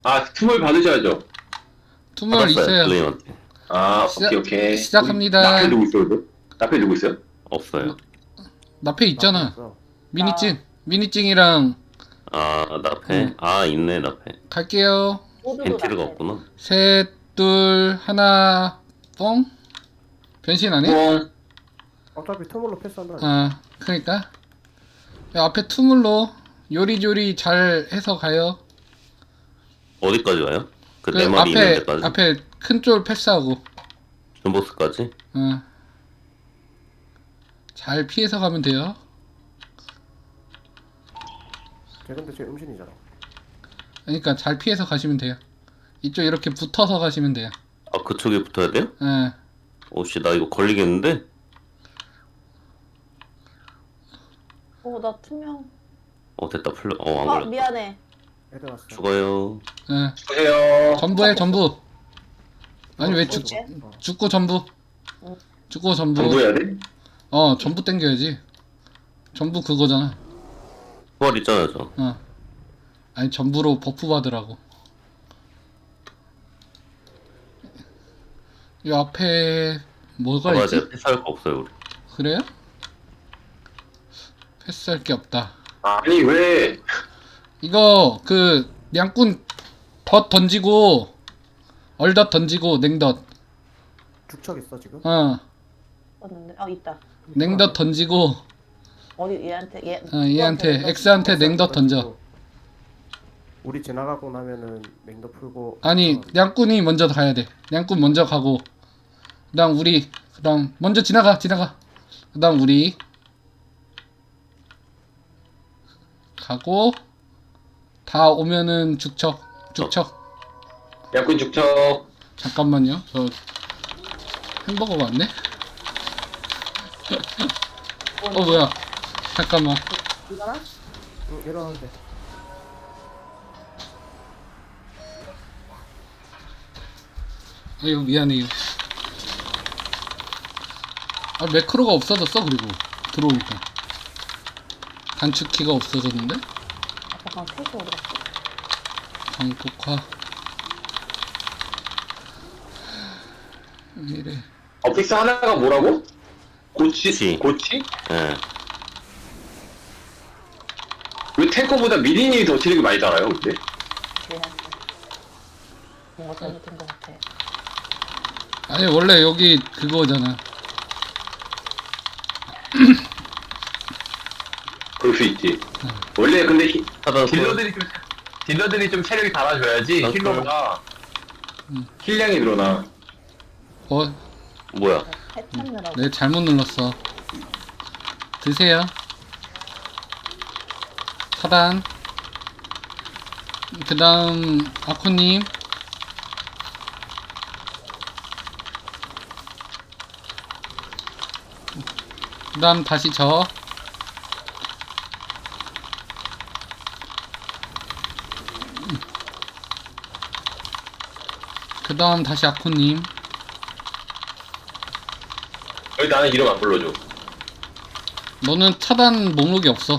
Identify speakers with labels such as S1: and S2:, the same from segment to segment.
S1: 아, 투물 받으셔야죠.
S2: 투물
S3: 받았어요,
S2: 있어요.
S3: 블레임한테.
S1: 아,
S2: 시작-
S1: 오케이.
S2: 시작합니다.
S1: 나페 누구 있어요, 근데? 나페 누구 있어요?
S3: 없어요.
S2: 나페 있잖아.
S4: 없어.
S2: 미니찡. 미니찡이랑
S3: 나페? 있네, 나페.
S2: 갈게요.
S5: 모두도
S3: 벤티르가
S5: 나빠요.
S3: 없구나.
S2: 셋, 둘, 하나, 뽕. 변신 안 해?
S1: 뽕.
S4: 어차피 투물로 패스한다.
S2: 그러니까. 야, 앞에 투물로 요리조리 잘 해서 가요.
S3: 어디까지 가요? 그
S2: 그
S3: 네 마리 있는
S2: 앞에
S3: 데까지?
S2: 앞에 큰 쫄 패스하고.
S3: 존보스까지?
S2: 잘 피해서 가면 돼요.
S4: 걔 근데 쟤 음신이잖아.
S2: 그러니까 잘 피해서 가시면 돼요. 이쪽 이렇게 붙어서 가시면 돼요.
S3: 그쪽에 붙어야 돼요?
S2: 예.
S3: 오씨, 나 이거 걸리겠는데?
S5: 나 투명.
S3: 됐다, 풀려. 안
S5: 아,
S3: 걸렸다.
S5: 미안해.
S4: 애들 왔어.
S3: 죽어요.
S2: 예.
S1: 보세요.
S2: 전부해 전부. 아니 왜
S5: 어떡해?
S2: 죽고 전부. 죽고 전부.
S1: 정보해야 돼?
S2: 전부 땡겨야지. 전부 그거잖아.
S3: 부활 있잖아요, 저.
S2: 아니 전부로 버프 받으라고. 이 앞에 뭐가
S3: 맞아요.
S2: 있지?
S3: 패스할 거 없어요, 우리.
S2: 그래요? 패스할 게 없다.
S1: 아니, 왜?
S2: 이거 그 양꾼 덧 던지고 얼덧 던지고 냉덧.
S4: 죽척 있어 지금?
S5: 봤는데. 있다.
S2: 냉덧 던지고
S5: 어디 얘한테
S2: 얘한테 X한테 냉덧 던져.
S4: 우리 지나가고 나면은 맹도 풀고.
S2: 아니 양꾼이 먼저 가야 돼. 양꾼 먼저 가고 그다음 우리 그다음 먼저 지나가. 그다음 우리 가고 다 오면은 죽척.
S1: 약군 죽척.
S2: 잠깐만요. 저 햄버거가 왔네. 뭐야? 잠깐만.
S5: 이거나?
S4: 응, 일어나는데.
S2: 아유 미안해요. 매크로가 없어졌어. 그리고 들어오니까 단축키가 없어졌는데.
S5: 잠깐 페이지 어디 갔어?
S2: 강독화. 왜 이래?
S1: 어픽스 하나가 뭐라고?
S3: 고치.
S1: 고치?
S3: 예.
S1: 왜 탱커보다 미리님이 더 체력이 많이 달아요, 근데?
S5: 미안해. 뭔가 잘못된 것 같아.
S2: 아니 원래 여기 그거잖아.
S1: 그럴 수 있지. 원래 근데
S3: 하단
S1: 딜러들이 좀 체력이 달아줘야지
S3: 맞다.
S1: 힐러보다 힐량이 늘어나.
S3: 뭐야?
S5: 해 찾느라고.
S2: 네 잘못 눌렀어. 드세요. 차단. 그 다음 아코님. 그 다음 다시 저. 그 다음 다시 아코님.
S1: 왜 나는 이름 안 불러줘?
S2: 너는 차단 목록이 없어.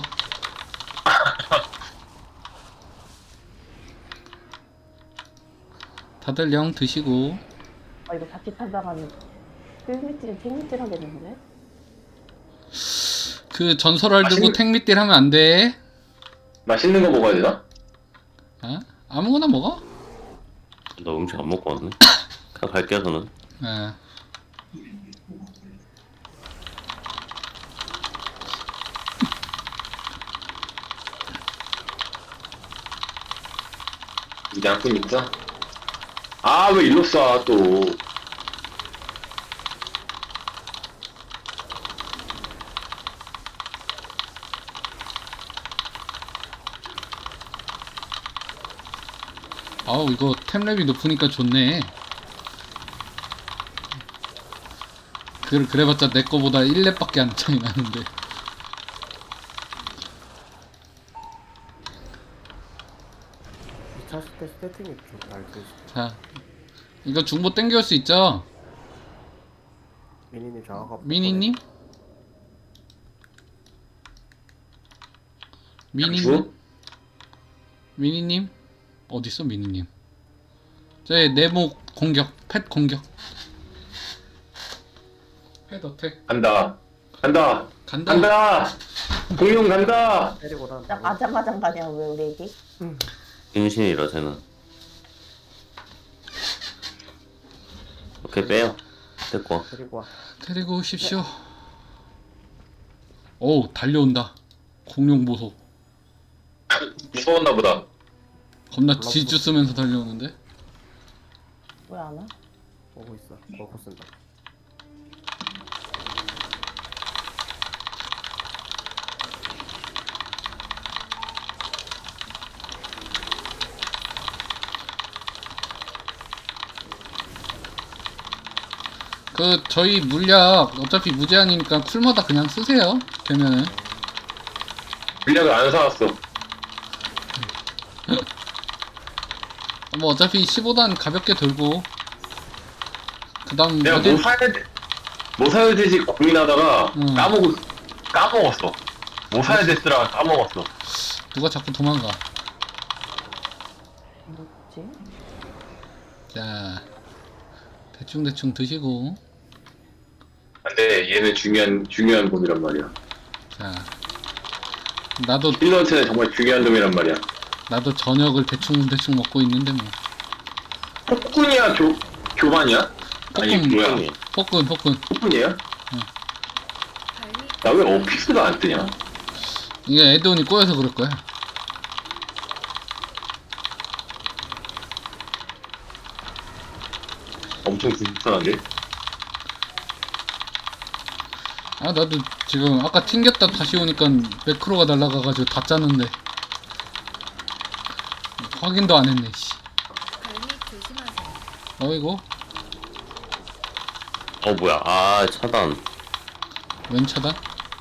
S2: 다들 영 드시고.
S5: 이거 자칫하다가는 땡미질 하겠는데?
S2: 그 전설알 들고
S1: 맛있는-
S2: 탱밑딜 하면 안 돼.
S1: 맛있는 거 먹어야 되나?
S2: 아무거나 먹어.
S3: 나 음식 안 먹고 왔네. 그냥 갈게요, 저는.
S2: 예.
S1: 이제 약군 있어? 왜 일로 쏴, 또.
S2: 아우 이거 템랩이 높으니까 좋네. 그래봤자 내 거보다 1렙밖에 안 차이 나는데.
S4: 이 찼을 때 세팅이 좀 알고 있어.
S2: 자, 이거 중보 땡겨올 수 있죠?
S4: 미니님 장화가.
S2: 미니님? 미니님?
S1: 주?
S2: 미니님? 어딨어 미니님? 저희 네모 공격, 펫 공격. 펫 어택.
S1: 간다. 간다.
S2: 간다.
S1: 간다. 공룡 간다.
S4: 때리고 난
S5: 딱 아장아장 가냐 왜 우리 애기?
S3: 인신이라 쟤는. 오케이 빼요. 됐고.
S4: 데리고 와.
S2: 데리고 오십시오. 오, 달려온다. 공룡 보소.
S1: 무서웠나 보다.
S2: 겁나 질주 쓰면서 달려오는데.
S5: 왜 안 와?
S4: 오고 있어. 오고 쓴다.
S2: 그 저희 물약 어차피 무제한이니까 쿨마다 그냥 쓰세요. 되면은.
S1: 물약을 안 사왔어.
S2: 뭐 어차피 15단 가볍게 들고 그다음
S1: 내가
S2: 어디
S1: 뭐 사야 돼? 뭐 사야 되지 고민하다가 까먹었어. 뭐 사야 됐더라 까먹었어.
S2: 누가 자꾸 도망가.
S5: 뭐지?
S2: 자, 대충 드시고.
S1: 근데 얘는 중요한 놈이란 말이야.
S2: 자, 나도
S1: 힐러한테는 정말 중요한 놈이란 말이야.
S2: 저녁을 대충 먹고 있는데 뭐.
S1: 폭군이야 교반이야? 아니
S2: 폭군.
S1: 뭐야?
S2: 폭군.
S1: 폭군이야? 나 왜 어피스가 안 뜨냐?
S2: 이게 에드온이 꼬여서 그럴 거야.
S1: 엄청 불편한데?
S2: 아, 나도 지금 아까 튕겼다 다시 오니까 매크로가 날아가가지고 다 짰는데 확인도 안 했네. 씨. 어이구,
S3: 뭐야. 아 차단.
S2: 웬 차단?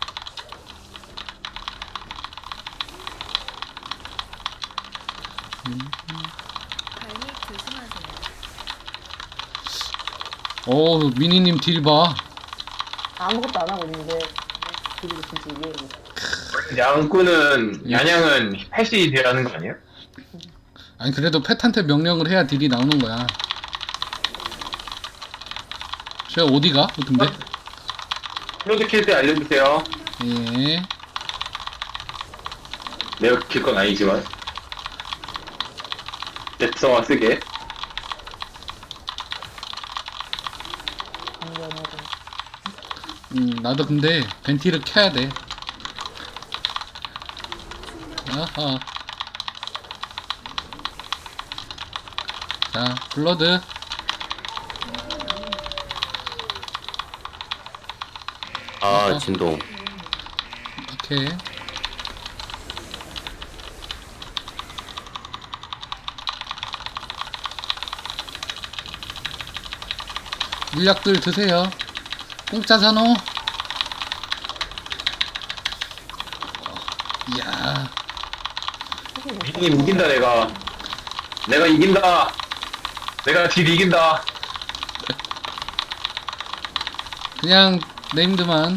S2: 오, 미니님 딜 봐.
S5: 아무것도 안 하고 있는데 그리고 진짜 이게
S1: 양은 패시 되라는 거 아니야?
S2: 아니 그래도 펫한테 명령을 해야 딜이 나오는 거야. 쟤 어디가? 근데?
S1: 프로젝트 때 알려주세요.
S2: 예.
S1: 내가 킬 건 아니지만 덱서와 쓰게.
S5: 강연으로
S2: 나도 근데 벤티를 켜야 돼. 아하. 자, 블러드.
S3: 진동.
S2: 오케이. 물약들 드세요. 공짜 산호. 이야.
S1: 미니님 이긴다 내가 이긴다. 내가 딜 이긴다.
S2: 그냥 네임드만.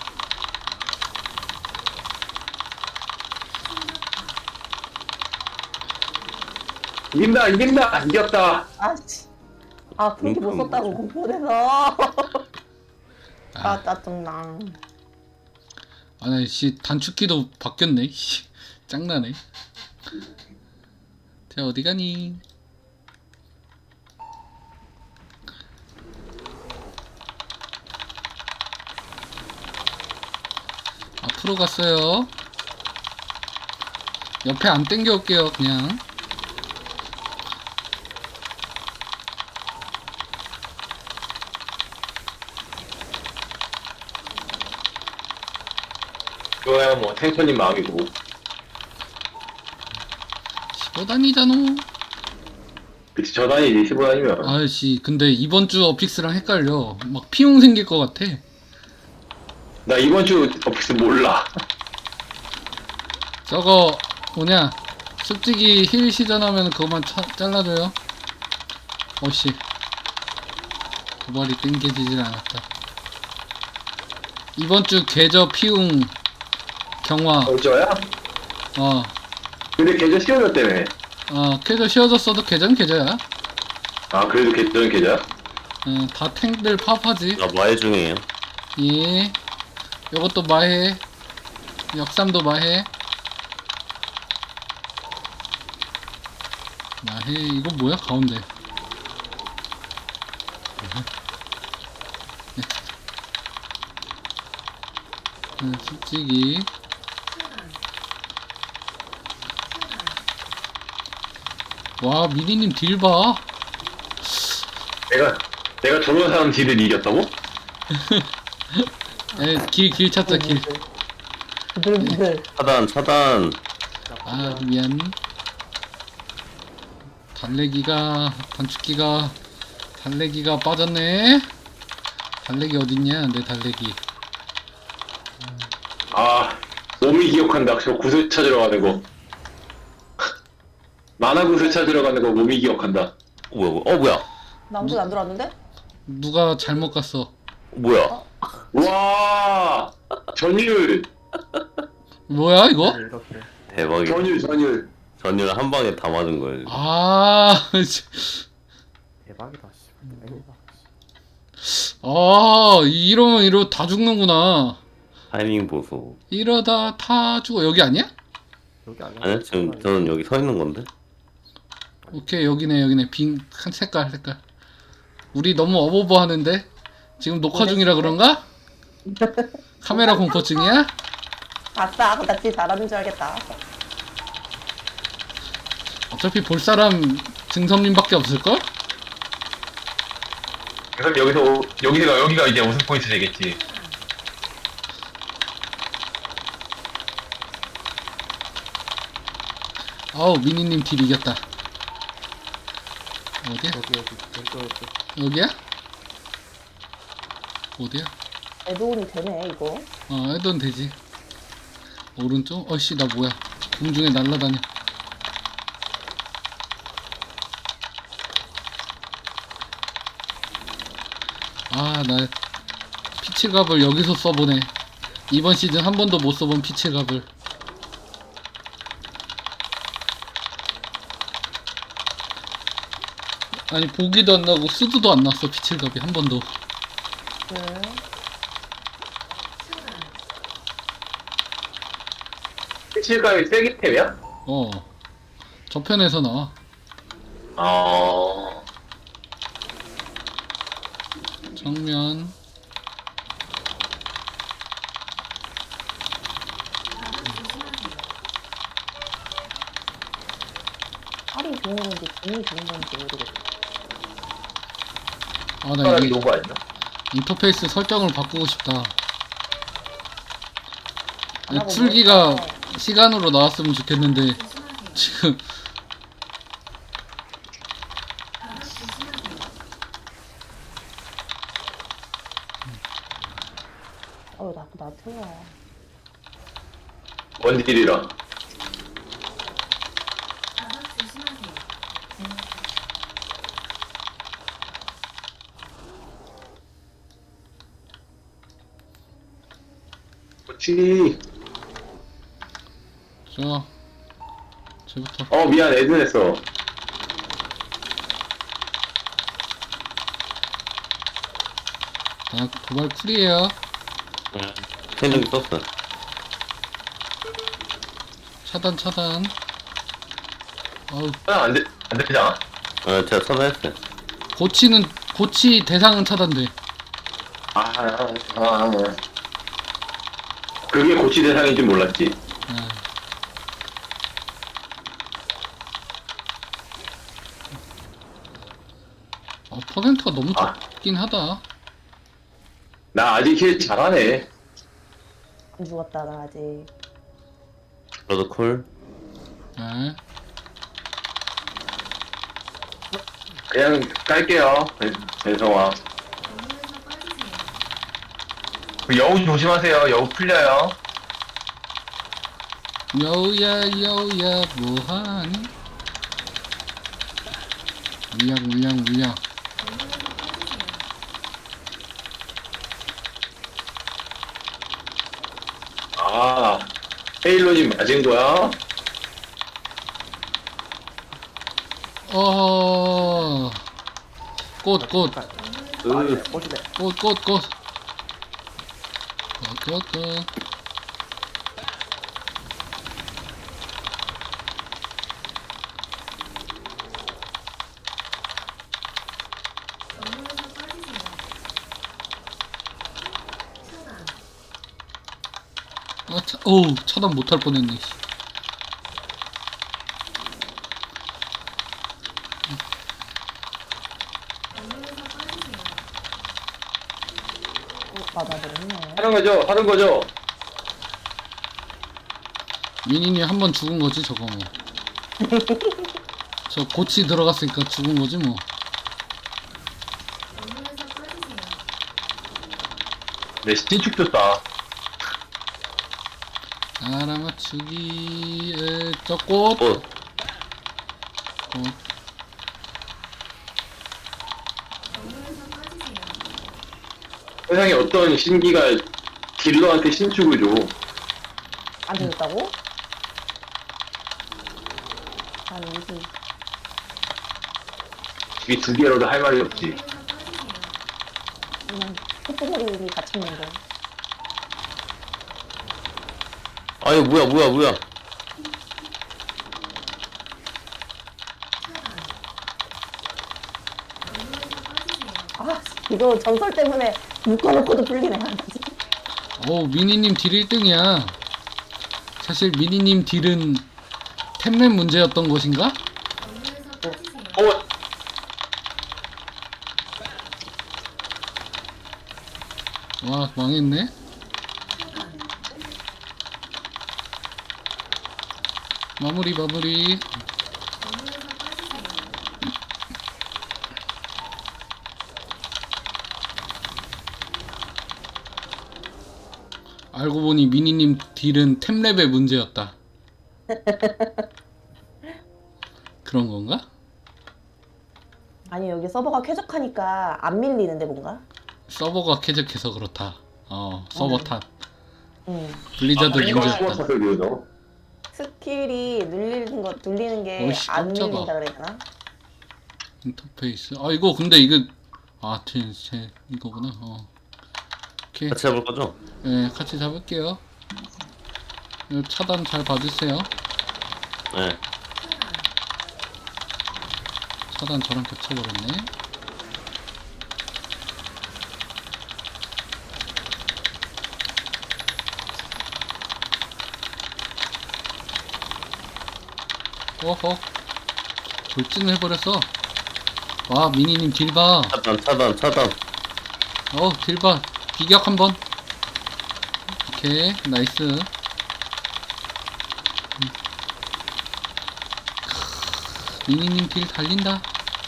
S1: 이긴다 이겼다.
S5: 아씨 아 그렇게 못 썼다고 공포돼서 아 짜증나.
S2: 아니 씨 단축키도 바뀌었네. 씨 짱나네. 자 어디 가니? 앞으로 갔어요. 옆에 안 땡겨 올게요 그냥.
S1: 그거야 뭐 탱커님 마음이고.
S2: 15단이잖아.
S1: 그치 저단이지 15단이면.
S2: 아이씨 근데 이번 주 어픽스랑 헷갈려. 막 피용 생길 것 같아.
S1: 나 이번 주 어피스 몰라.
S2: 저거 뭐냐 습지기 힐 시전하면 그거만 잘라줘요. 어씨 도발이 땡겨지질 않았다. 이번 주 계저 피웅 경화.
S1: 어쩌야?
S2: 어
S1: 근데 계좌 씌워졌다며.
S2: 계저 씌워졌어도 계저는 계저야.
S1: 아, 그래도 개쩌는 계좌야?
S2: 다 탱들 파업하지.
S3: 나 마해 중이에요.
S2: 예. 요것도 마해. 역삼도 마해. 마해. 이거 뭐야? 가운데. 솔직히. 와, 미니님 딜 봐.
S1: 내가 저런 사람 딜을 이겼다고?
S2: 길 찾자, 길.
S5: 부들부들.
S3: 차단.
S2: 아, 미안. 달래기가 빠졌네. 달래기 어딨냐, 내 달래기.
S1: 아, 몸이 기억한다. 저 구슬 찾으러 가는 거. 만화 구슬 찾으러 가는 거 몸이 기억한다.
S3: 뭐야?
S5: 나 아무도 안 들어왔는데?
S2: 누가 잘못 갔어.
S3: 뭐야?
S1: 와, 전율,
S2: 뭐야, 이거?
S4: 이렇게.
S3: 대박이다.
S1: 전율.
S3: 전율 한 방에 다 맞은 거예요.
S2: 아,
S4: 대박이다. 씨. 대박이다.
S2: 이러면 다 죽는구나.
S3: 타이밍 보소.
S2: 이러다 다 죽어. 여기 아니야?
S4: 여기 아니야?
S3: 아니요, 지금 저는 여기 서 있는 건데.
S2: 오케이, 여기네. 빈 색깔. 우리 너무 어버버 하는데? 지금 녹화 중이라 그런가? 카메라 공포증이야?
S5: 아싸, 나 진짜 잘하는 줄 알겠다.
S2: 어차피 볼 사람 증선님밖에 없을걸?
S1: 그럼 여기가 이제 우승 포인트 되겠지.
S2: 아우, 미니님 딜 이겼다. 어디야?
S4: 여기.
S2: 여기야? 어디야?
S5: 애도운이 되네, 이거.
S2: 해도 되지. 오른쪽? 어씨, 나 뭐야. 공중에 날아다녀. 나 피칠갑을 여기서 써보네. 이번 시즌 한 번도 못 써본 피칠갑을. 아니, 보기도 안 나고 쓰드도 안 났어, 피칠갑이 한 번도.
S1: 실감이 세기템이야?
S2: 저편에서 나와. 정면.
S5: 팔이 좋은 건지 등이 좋은 건지 모르겠어.
S2: 나
S1: 사람이
S2: 여기
S1: 좋은 거 아니야?
S2: 인터페이스 설정을 바꾸고 싶다.
S5: 안 하고
S2: 풀기가
S5: 뭐
S2: 시간으로 나왔으면 좋겠는데 지금
S5: 나 틀려.
S1: 원딜이라. 그렇지.
S2: 쟤부터.
S1: 미안, 애드냈어.
S2: 도발 쿨이에요.
S3: 생존기 썼어.
S2: 차단. 어우,
S1: 안 되잖아.
S3: 제가 선회했어요.
S2: 고치 대상은 차단돼.
S1: 그게 고치 대상인지 몰랐지.
S2: 퍼센트가 너무 적긴 하다.
S1: 나 아직 힐 잘하네.
S5: 안 죽었다, 나 아직.
S3: 저도 쿨.
S1: 그냥 깔게요. 배성아. 그 여우 조심하세요. 여우 풀려요.
S2: 여우야 뭐하니? 물량.
S1: 헤일로님 맞은 거야?
S2: 꽃, 꽃.
S4: 꽃이네.
S2: 꽃, 꽃, 꽃. 꽃, 꽃. 어우, 차단 못할 뻔했네. 씨.
S5: 맞아버렸네.
S1: 하는 거죠.
S2: 미니님 한 번 죽은 거지, 저거 뭐. 저 고치 들어갔으니까 죽은 거지, 뭐.
S1: 네, 신축 줬다.
S2: 알아맞추기, 저 꽃.
S3: 꽃.
S2: 꽃.
S1: 세상에 어떤 신기가 딜러한테 신축을 줘.
S5: 안 되겠다고? 아니 무슨
S1: 이게 두 개로도 할 말이 없지.
S5: 그냥 콧구멍이 갇혔는데.
S3: 아유, 뭐야.
S5: 아 이거 전설 때문에 묶어놓고도 풀리네.
S2: 미니님 딜 1등이야. 사실 미니님 딜은 템랩 문제였던 것인가? 와, 망했네. 마무리. 알고 보니 미니님 딜은 템랩의 문제였다. 그런 건가?
S5: 아니 여기 서버가 쾌적하니까 안 밀리는데 뭔가?
S2: 서버가 쾌적해서 그렇다. 서버 탓. 블리자드
S1: 이거
S2: 문제였다.
S1: 스포츠들이요.
S5: 스킬이 눌리는 게
S2: 어이씨,
S5: 안
S2: 깜짝아.
S5: 눌린다 그래야 되나?
S2: 인터페이스. 이거 근데 이거 제 이거구나. 오케이.
S3: 같이 해볼 거죠?
S2: 네, 같이 잡을게요. 이거 차단 잘 봐주세요.
S3: 네.
S2: 차단 저랑 겹쳐버렸네. 어허, 돌진을 해버렸어. 와, 미니님 딜봐.
S3: 차단.
S2: 딜봐. 비격 한번. 오케이, 나이스. 미니님 딜 달린다.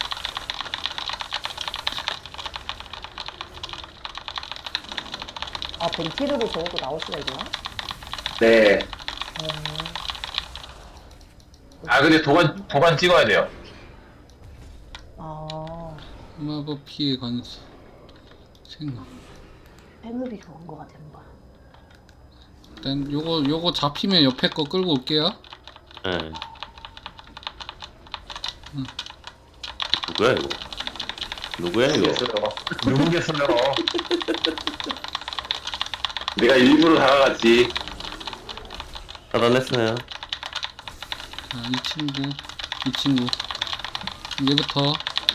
S5: 아 벤티르로 저것도 나올 수가 있나?
S1: 네. 근데 도관 찍어야 돼요.
S5: 아
S2: 마법 피해 관수. 생각.
S5: 팬업이 좋은 거 같아 뭔가.
S2: 일단 요거 잡히면 옆에 거 끌고 올게요.
S3: 네. 누구야 이거?
S1: 누구겠어요? 내가 일부러 다가갔지.
S3: 차단했어요.
S2: 자, 이 친구. 얘부터.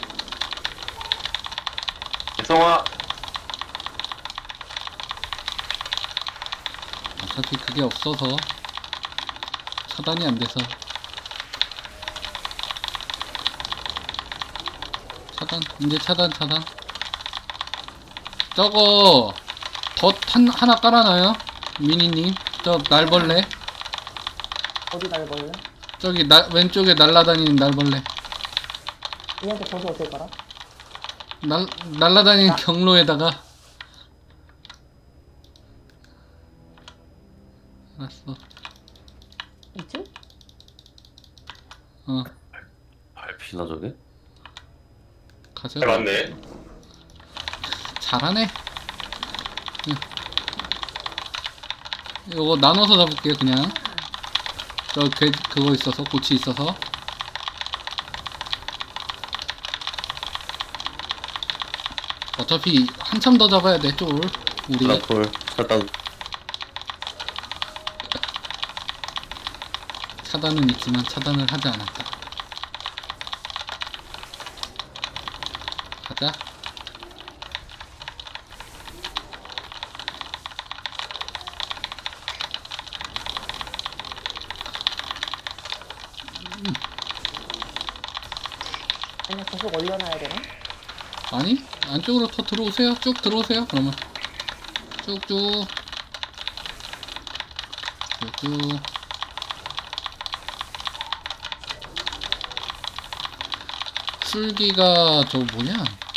S1: 성아.
S2: 어차피 그게 없어서 차단이 안 돼서. 이제 차단. 저거 덫 하나 깔아놔요. 미니님. 저 날벌레.
S5: 어디 날걸래?
S2: 저기 왼쪽에 날라다니는 날벌레.
S5: 얘한테 젖을 어떻게 깔아?
S2: 날라다니는 경로에다가. 알았어.
S5: 이쯤?
S3: 밟히나 저게?
S2: 가자.
S1: 잘 맞네.
S2: 잘하네. 응. 요거 나눠서 잡을게요, 그냥. 그거 있어서, 고치 있어서. 어차피 한참 더 잡아야 돼, 쫄. 우리.
S3: 라풀 차단.
S2: 차단은 있지만 차단을 하지 않았다. 가자.
S5: 아니야, 계속 올려놔야 되나?
S2: 아니, 안쪽으로 더 들어오세요. 쭉 들어오세요. 그러면 쭉쭉 쭉쭉. 풀기가 저 뭐냐?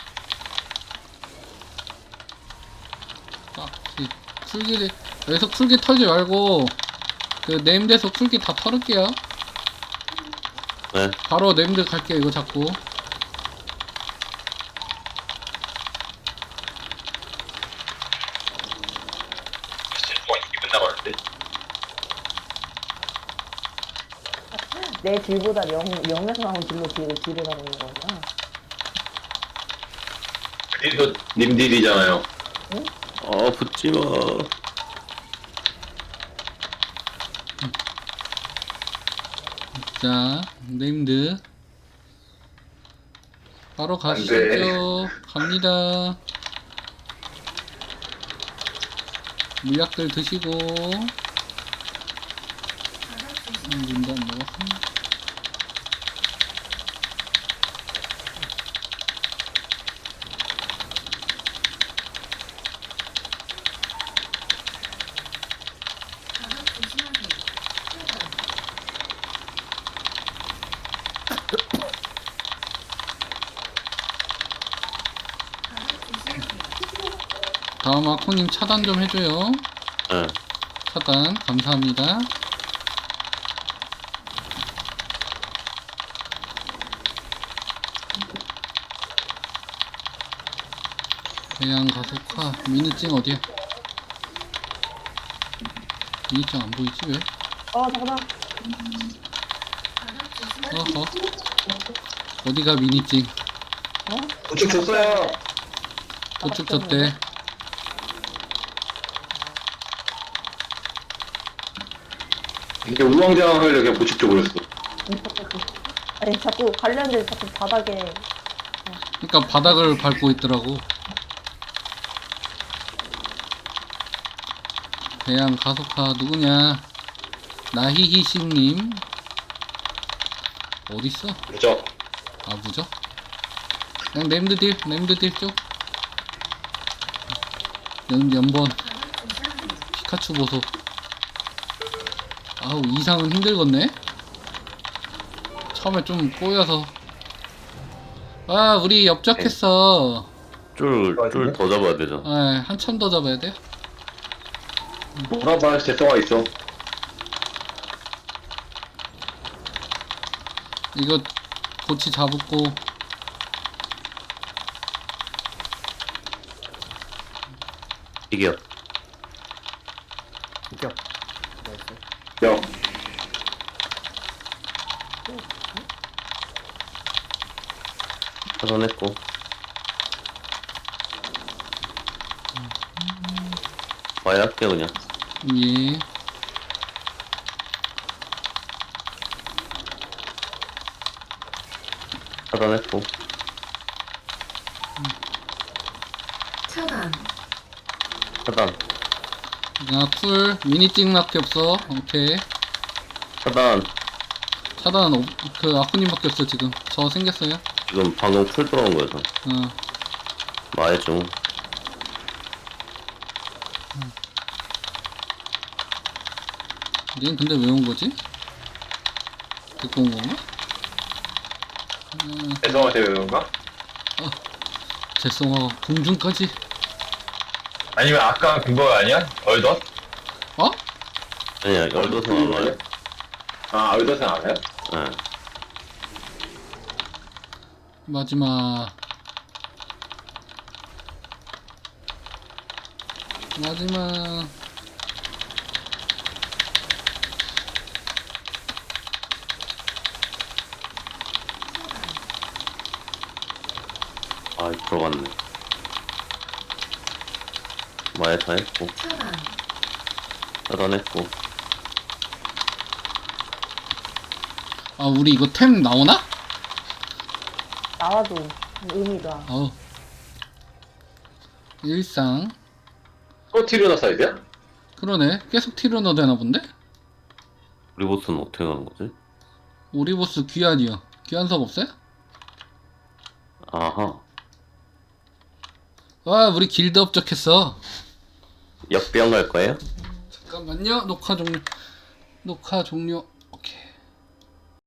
S2: 아, 풀기를 여기서 풀기 털지 말고 그 네임드에서 풀기 다 털을게요.
S3: 네.
S2: 바로 네임드 갈게요. 이거 잡고.
S1: 동안 이게 끝나버렸는데.
S5: 내 딜보다 0에서 나온 딜로 딜을 하고 있는 거구나.
S1: 딜도 님 딜이잖아요.
S3: 붙지마.
S2: 자, 네임드 바로
S1: 안
S2: 가시죠. 갑니다. 물약들 드시고. 문도 안 먹었어. 다음 아코님 차단 좀 해줘요.
S3: 네.
S2: 차단 감사합니다. 대양 가속화 미니찡 어디야? 미니찡 안 보이지 왜?
S5: 잠깐만.
S2: 어허. 어디가 미니찡?
S1: 우측 줬어요.
S2: 도축 줬대.
S1: 이게 우왕좌왕하려 그냥 보축 줘버렸어.
S5: 아니, 자꾸 관련된 자꾸 바닥에.
S2: 그러니까 바닥을 밟고 있더라고. 대양 가속화 누구냐? 나히히싱님 어딨어?
S1: 그죠?
S2: 아 무적? 그냥 램드딜 쪽. 연번 피카츄 보소. 아우 이상은 힘들겠네. 처음에 좀 꼬여서. 아 우리 엽적했어.
S3: 쫄 더 잡아야 되잖아.
S2: 아 한참 더 잡아야 돼.
S1: 뭐라봐 재성아 있어.
S2: 이거 고치 잡고.
S3: 이겨.
S4: 이겨. 나이스.
S1: 야,
S3: 차단했고. 와야 할게 그냥.
S2: 예.
S3: 차단했고.
S6: 차단.
S3: 차단.
S2: 쿨 미니찡밖에 없어. 오케이.
S3: 차단.
S2: 차단 그 아쿠님밖에 없어 지금. 저 생겼어요.
S3: 지금 방금 풀 들어온 거야. 저. 마의 중.
S2: 얘는 근데 왜 온 거지? 데리고 온 건가?
S1: 재성한테 왜 그런가?
S2: 재성아 공중까지.
S1: 아니면 아까 그거 아니야? 얼덧?
S2: 어?
S3: 아니야, 열도서 안 와요.
S1: 아, 얼덧은 알아요?
S3: 네.
S2: 마지막.
S3: 아, 들어갔네. 마에 다 했고 차단했고.
S2: 아 우리 이거 템 나오나?
S5: 나와도 의미가.
S2: 어우 일상
S1: 또 티르나 사이드야?
S2: 그러네 계속 티르너 되나 본데?
S3: 우리 보스는 어떻게 가는 거지?
S2: 우리 보스 귀환이요 귀환석 없어요?
S3: 아하.
S2: 와 우리 길드 업적했어
S3: 역병 갈 거예요?
S2: 잠깐만요 녹화 종료